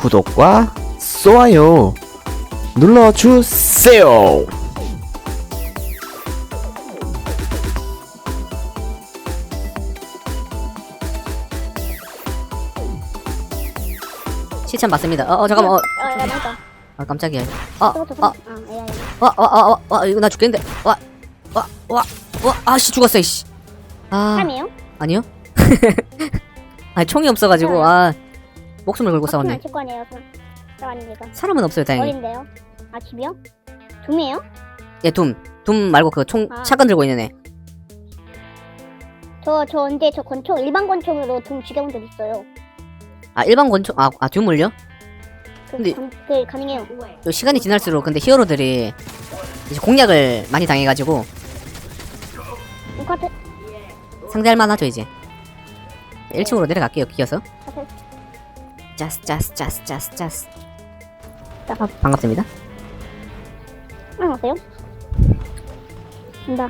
구독과 좋아요 눌러주세요. 시참 맞습니다. 잠깐만. 야, 맞다. 아 깜짝이야. 이거 나 죽겠는데. 아씨 죽었어 이씨. 아 사람이에요? 아니요. 아니 총이 없어가지고 목숨을 걸고 싸웠네. 칠거 아니에요, 사람이니까. 사람은 없어요 다행히. 어린데요? 아, 집이요? 둠이에요? 예 둠 말고 그 총 샷건 들고 있는 애. 저 언제 저 권총, 일반 권총으로 둠 죽여본 적 있어요. 아 일반 권총 둠을요? 근데- 그 가능해요. 또 시간이 지날수록 근데 히어로들이 이제 공략을 많이 당해가지고 똑같은, 상대할 만하죠 이제. 1층으로 내려갈게요 기어서. 짜스. 반갑습니다. 왔어요? 간다.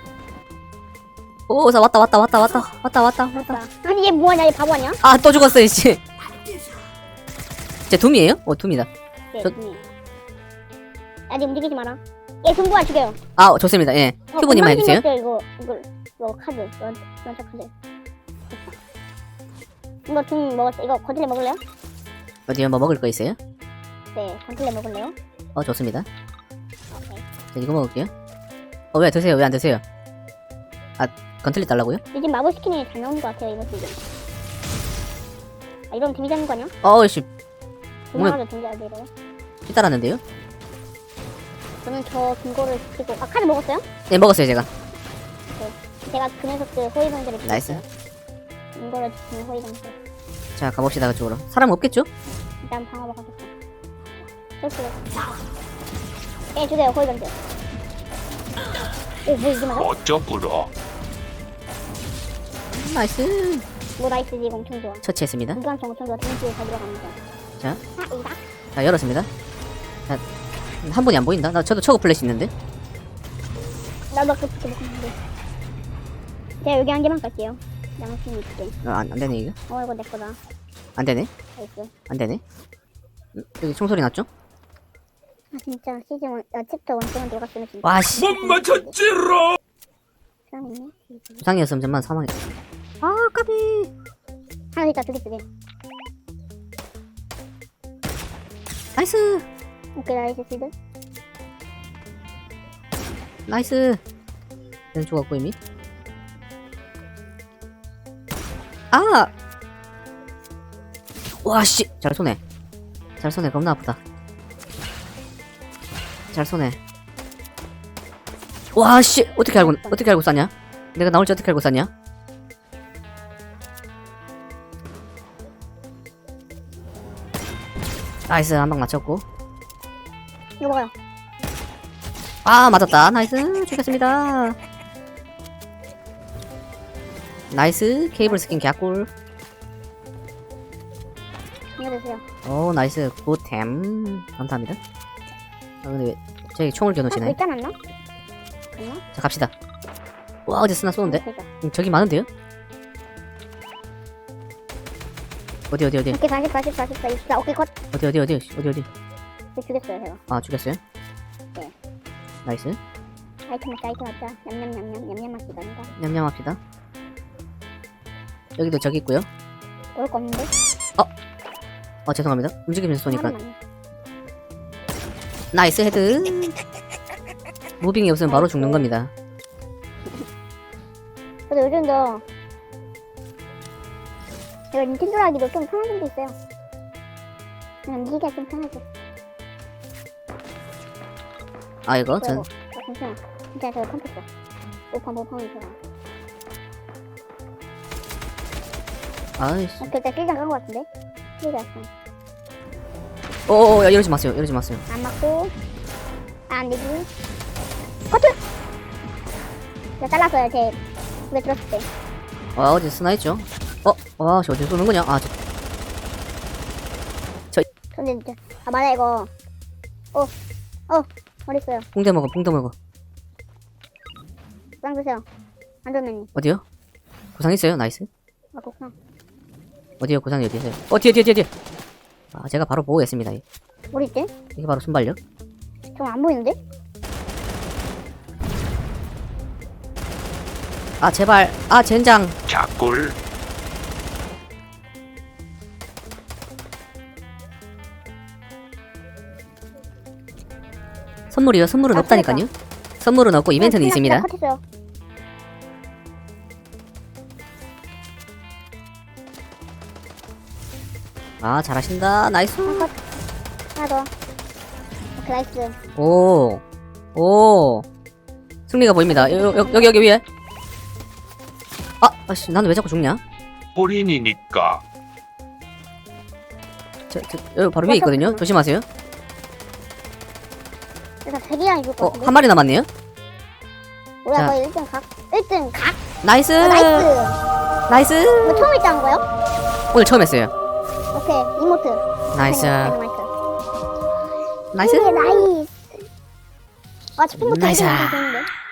오, 왔다. 아니, 얘 뭐하냐, 얘 바보 아니야? 아, 또 죽었어, 이씨. 제 둠이에요? 둠이다. 네, 저- 둠이에요. 아직 움직이지 마라. 얘 둠부안 죽여요. 아, 좋습니다. 예. 큐브님만 해주세요. 이거 카드, 연차 카드. 이거 둠 먹었어. 이거 건틀레 먹을래요? 어디요? 뭐 먹을 거 있어요? 네, 건틀레 먹을래요? 좋습니다. 오케이. 자, 이거 먹을게요. 왜 드세요? 왜 안 드세요? 건틀리 달라고요? 요즘 마법 스킨이 잘 나오는 것 같아요, 이번 시즌. 이러면 데미지 하는 거 아니야? 이씨. 그만하면 데미지 이래요. 삐따랐는데요? 저는 저 금고를 지키고, 카드 먹었어요? 네, 먹었어요, 제가. 제가 그 녀석들 호위병들을 나이스. 금고를 지키는 호위병들. 자, 가봅시다, 그쪽으로. 사람 없겠죠? 일단 방어막 가겠다. 쏠수록. 주세요, 호위병들. 오, 뭐 이게 맞아? 어쩌구려. 나이스. 뭐 나이스지, 이거 엄청 좋아. 처치했습니다. 무관총 엄청 좋아. 데미지에 잘 들어갑니다. 자. 여기다. 자, 열었습니다. 자, 한 분이 안 보인다? 저도 초고 플래시 있는데? 나도 아까 그렇게 먹었는데. 제가 여기 한 개만 갈게요. 양심이 있게. 안 되네, 이거. 이거 내 거다. 안 되네? 나이스. 안 되네? 여기 총소리 났죠? 진짜 시즌 1, 챕터 1동안 들어갔으면 진짜. 와, 씨. 못 맞췄지롱. 사람 있네? 부상이었으면 정말 사망했다. 까비. 하나 더 있다, 두 개. 나이스. 오케이, 나이스 시드. 나이스. 얘는 죽었고 이미. 와, 씨. 잘 쏘네. 겁나 아프다. 잘 쏘네. 와, 씨. 어떻게 알고 쐈냐? 내가 나올지 어떻게 알고 쐈냐? 나이스. 한 방 맞췄고. 이거 먹어요. 맞았다. 나이스. 죽였습니다. 나이스. 케이블 스킨 개꿀. 이거 드세요. 나이스. 굿템. 감사합니다. 근데 왜 저기 총을 겨누시네. 있지 않았나? 있나? 자, 갑시다. 와, 어디 쓰나 쏘는데? 그러니까. 저기 많은데요? 어디? 오케이, 40, 64. 오케이, 컷. 어디? 네, 죽였어요, 제가. 죽였어요? 네. 나이스. 아이템 맞자. 냠냠 맛이다, 아니다. 냠냠합시다. 여기도 저기 있고요. 오를 거 없는데? 죄송합니다. 움직이면서 쏘니까. 하나만. 나이스 헤드. 무빙이 없으면 바로 죽는 겁니다. 근데 요즘도 제가 닌텐도로 하기도 좀 편한 점도 있어요. 그냥 미기가 좀 편하죠. 이거 전 잠시만. 진짜 제가 컴퓨터. 모팡이 좋아. 아이씨. 그때 실장 간거 같은데? 실장 야, 이러지 마세요. 안 맞고. 안 되지. 커트! 제가 잘랐어요, 제 입에 들었을 때. 어디 쓰나 있죠? 저 어디 쏘는 거냐? 근데 진짜. 맞아, 이거. 어딨어요? 붕대 먹어. 빵 드세요. 안전맨님. 어디요? 구상 있어요? 나이스. 그렇구나. 어디요? 구상이 어디 있어요? 뒤에. 아, 제가 바로 보호했습니다. 어디 있지? 이게 바로 순발력. 좀 안 보이는데? 아, 제발. 아, 젠장. 작골. 선물이요. 선물은 아, 없다니까요. 선물은 없고 이벤트는 있습니다. 컷했어요. 아, 잘하신다. 나이스. 하나 더. 오케이, 나이스. 오. 오. 승리가 보입니다. 여기 위에. 아, 아씨, 나는 왜 자꾸 죽냐? 본인이니까. 여기 바로 위에 있거든요. 조심하세요. 일단 대기랑 입을 것 같은데? 한 마리 남았네요. 뭐야, 자. 거의 1등 각? 1등 각? 나이스. 나이스! 나이스. 이거 처음 했다는 거예요? 오늘 처음 했어요. 오케이, 이모트. 나이스. 나이스. 나이스. 나이스. 아, 치킨 모트 나이스. 좋은데?